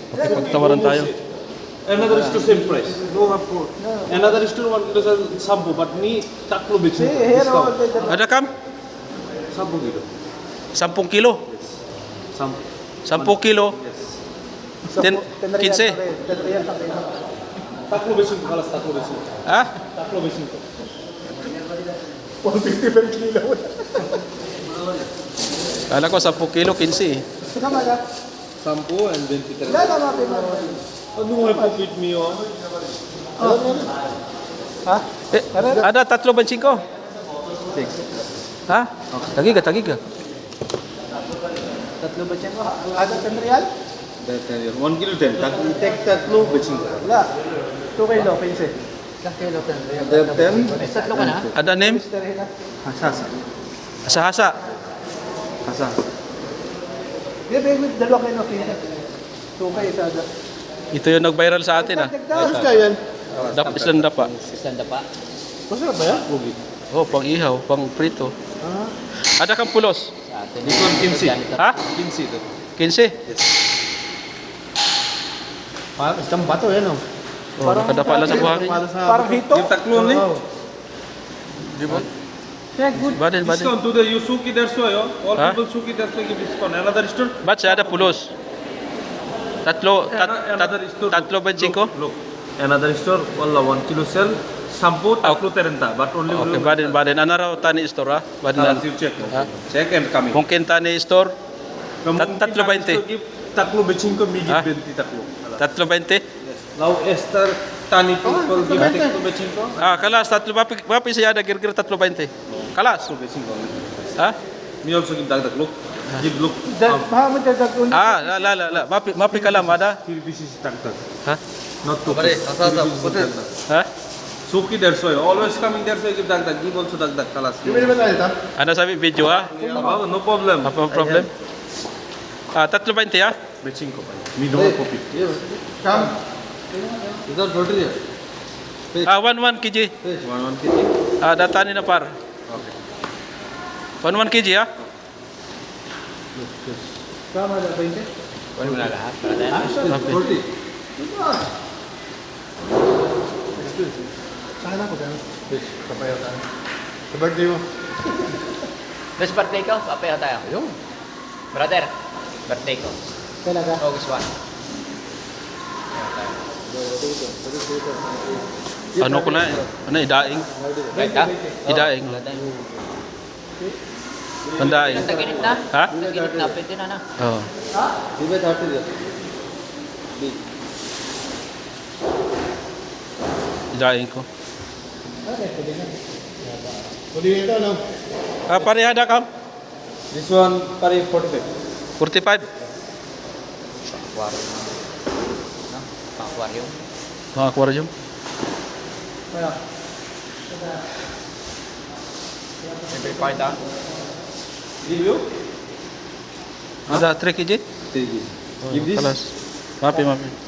Pagtawaran tayo. Another store same price. No have food. Another store 1 kilo sir shampoo, but ni taklo See, bechi. here all Discount. the Ada kam? Shampoo kilo. 10 kilo. Yes. Shampoo. 10 kilo. Yes. Ten- 10 15. real lang kayo. Taklo bechi ko kalas taklo bechi. Ha? Taklo bechi ko. 150 per kilo. Kala ko 10 kilo, 15 eh. Sama ka? Shampoo and 23. Wala na mapimaro. Ano mo po with me oh? Ha? Eh, ada 3 ba 5? Ha? Tagiga. Tatlo ba siya ko? Ada 10 real? 1 kilo 10. Take taklo bechi ko. Wala. 2 kilo, 15. 1 kilo, 10 real. 10. Tatlo ka na? Ada name? Hasa. Asa-hasa. Hasa. Di ba yung dalawa kayo, 15? 2 kayo, isa ada. Ito yung nag-viral sa atin ah. Tapos ka yan? Isang dapa. Masarap ba yan? Oh, pang ihaw, pang prito. Ada kang pulos? This one 15. Ha? 15 ito. 15? Isang bato yan, oh. Oh, nakadapa lang sa buhangin. Parang hito. Yung taklo ni. Di ba? Yeah, good. Baden. Discount to the you suki that's why oh. All Huh? people suki that's why give discount. Another store. Ba't siya ada pulos? Another store. Tatlo ba 5? Look. Another store. Wala 1 kilo sell. Shampoo taklo terenta. But only Okay, baden. Ano raw tani store ha? Baden Alas, lang. you check. Ha? Check and coming. Mungkin tani store, tatlo 20. Taklo bechin ko migi Ha? 20 taklo. 3.20? Now Esther tani people give taklo bechin ko. Ah, kalas, mapi siya ada kira-kira 3.20. Kalas. Taklo bechin ko. Ha? Me also give dag look. Give look. Mahamad ka dagdag. Ah, la. Mapi kalam ada. 3 pieces tak tak. Ha? Not 2 pieces. Ha? Suki that's why. Always coming that's why give dag dag. Give also dag dag kalas. Di ba naman tayo ito? Ano sabi video ha? Oh, no problem. Apa problem? Ah, 3.20 ha? Bechin ko pa. Me no copy. Come. Idhar bottle hai. Ah, 1 kg. 1 kg. Ah, data ni na par. Okay. 1 kg ha? Come ada 20. Okay. 40. Sana ko gano'n. Kapayaw tayo. Sa birthday mo. Next birthday ko, papayaw tayo. Ayun. Brother, birthday ko. Talaga. August 1. Ano ko na eh? Ano, idaing? Right ka? Idaing. Pandaing. Taginit na. Ha? Taginit na, pwede na na. Oo. Give it 30 there. Idaing ko. Pwede ito, no? Ah, pareha na kam? This one pari 45. 45? Aquarium. No? Aquarium. Mga aquarium. Kaya. Every part ah. Give you? Ada 3 kg? 3 kg. Oh, Give this. kalas. Mapi.